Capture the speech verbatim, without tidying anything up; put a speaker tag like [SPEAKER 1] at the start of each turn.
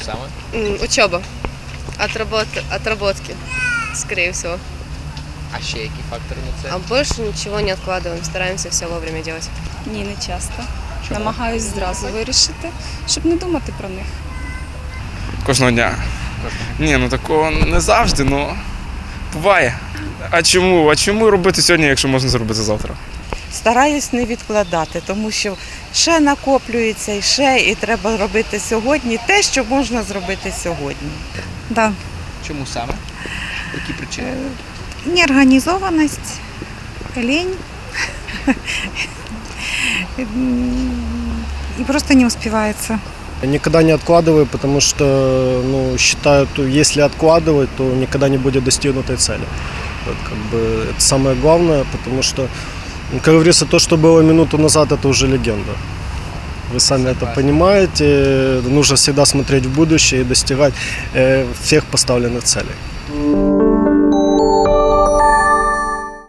[SPEAKER 1] саме?
[SPEAKER 2] М, Учеба. Отработ... Отработки, скорее всего.
[SPEAKER 1] А ще які фактори на це?
[SPEAKER 2] А больше ничего не откладываем, стараемся все вовремя делать.
[SPEAKER 3] Ні, не часто.
[SPEAKER 1] Чому?
[SPEAKER 3] Намагаюсь зразу вирішити, щоб не думати про них.
[SPEAKER 4] Кожного дня. Ні, ну такого не завжди, ну буває. А чому? А чому робити сьогодні, якщо можна зробити завтра?
[SPEAKER 5] Стараюсь не відкладати, тому що ще накоплюється і ще, і треба робити сьогодні те, що можна зробити сьогодні.
[SPEAKER 6] Да.
[SPEAKER 1] Чому саме? Які причини?
[SPEAKER 6] Неорганизованность, лень. И просто не успевается.
[SPEAKER 7] Никогда не откладываю, потому что ну, считаю, то если откладывать, то никогда не будет достигнутой цели. Вот, как бы, это самое главное, потому что, ну, как говорится, то, что было минуту назад, это уже легенда. Вы сами это понимаете. Нужно всегда смотреть в будущее и достигать э, всех поставленных целей.